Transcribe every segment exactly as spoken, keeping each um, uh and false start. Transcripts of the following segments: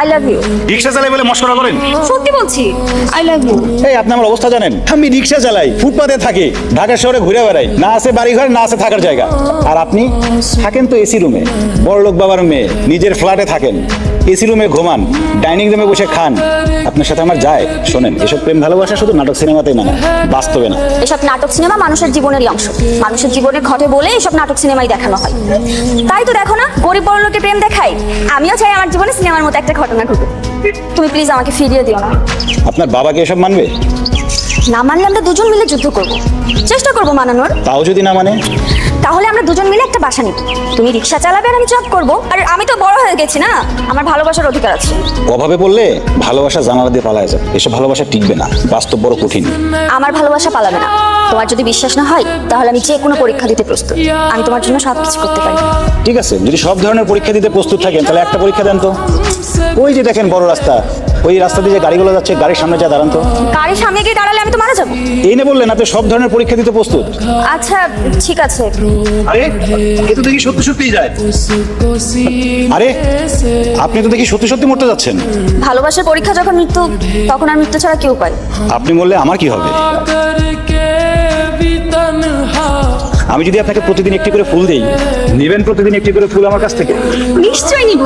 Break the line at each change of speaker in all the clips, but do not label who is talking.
I love you.
রিক্সা চালাই বলে মশকরা করেন?
সত্যি বলছি, আই লাভ ইউ।
এই আপনি আমার অবস্থা জানেন? আমি রিক্সা চালাই, ফুটপাতে থাকি, ঢাকা শহরে ঘুরে বেড়াই, না আছে বাড়ি ঘর, না আছে থাকার জায়গা। আর আপনি থাকেন তো এসি রুমে, বড়লোক বাবার মেয়ে, নিজের ফ্ল্যাটে থাকেন, এসি রুমে ঘুমান, ডাইনিং রুমে বসে খান। আপনার সাথে আমার যায়? শোনেন, এসব প্রেম ভালোবাসা শুধু নাটক সিনেমাতেই না, বাস্তবে না।
এসব নাটক সিনেমা মানুষের জীবনেরই অংশ, মানুষের জীবনে ঘটে বলে এসব নাটক সিনেমাই দেখানো হয়। তাই তো দেখো না, গরিব বড় লোকের প্রেম দেখাই। আমিও চাই আমার জীবনে সিনেমার মতো একটা ঘটনা ঘটুক। তুমি প্লিজ আমাকে ফিরিয়ে দিও না।
আপনার বাবাকে এসব মানবে?
না মানলে আমরা দুজন মিলে যুদ্ধ করব, চেষ্টা করব মানানোর।
তাও যদি না মানে?
তাহলে আমরা দুজন মিলে একটা বাসা নিব, তুমি রিক্সা চালাবে আর আমি জব করব। আর আমি তো বড় হয়ে গেছি না, আমার ভালোবাসার অধিকার আছে।
অভাবে পড়লে ভালোবাসা জানালা দিয়ে পালায় যায়, এসব ভালোবাসা টিকবে না, বাস্তব বড় কঠিন।
আমার ভালোবাসা পালাবে না। তোমার যদি বিশ্বাস না হয় তাহলে আমি যে কোনো পরীক্ষা দিতে প্রস্তুত, আমি তোমার জন্য সব কিছু করতে পারি।
ঠিক আছে, যদি সব ধরনের পরীক্ষা দিতে প্রস্তুত থাকেন তাহলে একটা পরীক্ষা দেন তো। ওই যে দেখেন বড় রাস্তা, ওই রাস্তা দিয়ে যে গাড়িগুলো যাচ্ছে, গাড়ির সামনে যা দাঁড়ান তো।
গাড়ির সামনে গিয়ে দাঁড়ালে আমি তো মারা যাবো।
এই না বললেন আপনি সব ধরনের পরীক্ষা দিতে প্রস্তুত?
আচ্ছা ঠিক আছে।
আরে এ তো দেখি সত্যি সত্যিই যায়। আরে আপনি তো দেখি সত্যি সত্যি মরতে যাচ্ছেন।
ভালোবাসার পরীক্ষা যখন মৃত্যু, তখন আর মৃত্যু ছাড়া কি উপায়?
আপনি মরলে আমার কি হবে? আমি যদি আপনাকে প্রতিদিন একটি করে ফুল দেই, নেবেন প্রতিদিন একটি করে ফুল আমার কাছ থেকে?
নিশ্চয়ই নিব।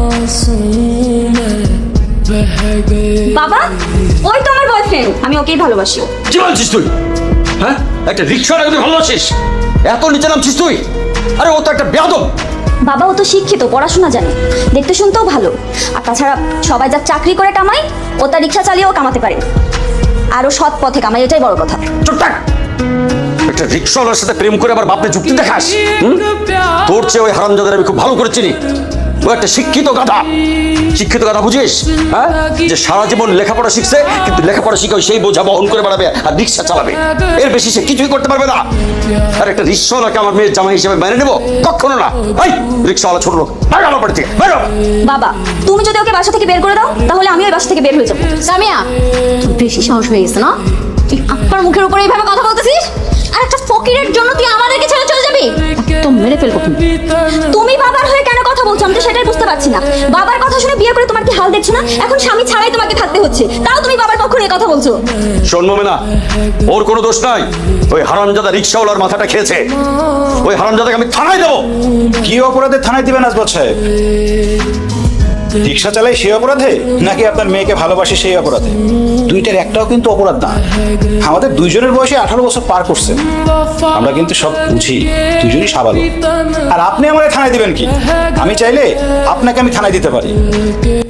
বাবা, ওই তো আমার বয়ফ্রেন্ড, আমি ওকেই ভালোবাসি।
কি বলছিস তুই? হ্যাঁ, একটা রিক্সাওয়ালাকে তুই ভালোবাসিস? এত নিচে নামছিস তুই? আরে ও তো একটা বেয়াদব।
বাবা ও তো শিক্ষিত, পড়াশোনা জানে, দেখতে শুনতেও ভালো। আর তাছাড়া সবাই যা চাকরি করে কামায়, ও তার রিক্সা চালিয়েও কামাতে পারে। আরও সৎ পথে কামাই, এটাই বড় কথা।
চুপ থাক। একটা রিক্সাওয়ালার সাথে প্রেম করে আবার বাপরে যুক্তি দেখাস? হুম? তোর চেয়ে ওই হারামজাদার আমি খুব ভালো করে চিনি। ও একটা শিক্ষিত গাধা। শিক্ষিত গাধা বুঝিস? হ্যাঁ, যে সারা জীবন লেখাপড়া শিখছে, কিন্তু লেখাপড়া শিখে সেই বোঝা বহন করে বেড়াবে আর রিক্সা চালাবে, এর বেশি সে কিছুই করতে পারবে না। আর একটা রিক্সাওয়ালাকে আমার মেয়ের জামাই হিসেবে মেনে নেবো? কখনো না। এই রিক্সাওয়ালা ছোট লোক, বাইরে আমার বাড়ি থেকে বেরো।
বাবা, তুমি যদি ওকে বাসা থেকে বের করে দাও তাহলে আমি ওই বাসা থেকে বের হয়ে যাবো। সামিয়া, তোর বেশি সাহস হয়ে গেছে না? তুই আপনার মুখের উপরে এইভাবে কথা বলতেছিস? আর একটা ফকিরের জন্য তুই আমাদেরকে ছেড়ে চলে যাবি? একদম মেরে ফেলবো। তুমি বাবার হয়ে কেন কথা বলছো আমি তো সেটাই বুঝতে পারছি না। বাবার কথা শুনে বিয়ে করে তোমার কি হাল দেখছো না? এখন স্বামী ছাড়াই তোমাকে থাকতে হচ্ছে, তাও তুমি বাবার পক্ষ নিয়ে কথা বলছো।
শোন মোমেনা, ওর কোনো দোষ নাই। ওই হারামজাদা রিক্সাওয়ালার মাথাটা খেয়েছে। ওই হারামজাদাকে আমি থানায় দেবো।
কি অপরাধে থানায় দিবেন আসবাদ সাহেব? রিক্সা চালাই সেই অপরাধে, নাকি আপনার মেয়েকে ভালোবাসে সেই অপরাধে? দুইটার একটাও কিন্তু অপরাধ না। আমাদের দুইজনের বয়সে আঠারো বছর পার করছে, আমরা কিন্তু সব বুঝি, দুজনই সাবালক। আর আপনি আমাকে থানায় দিবেন কি? আমি চাইলে আপনাকে আমি থানায় দিতে পারি।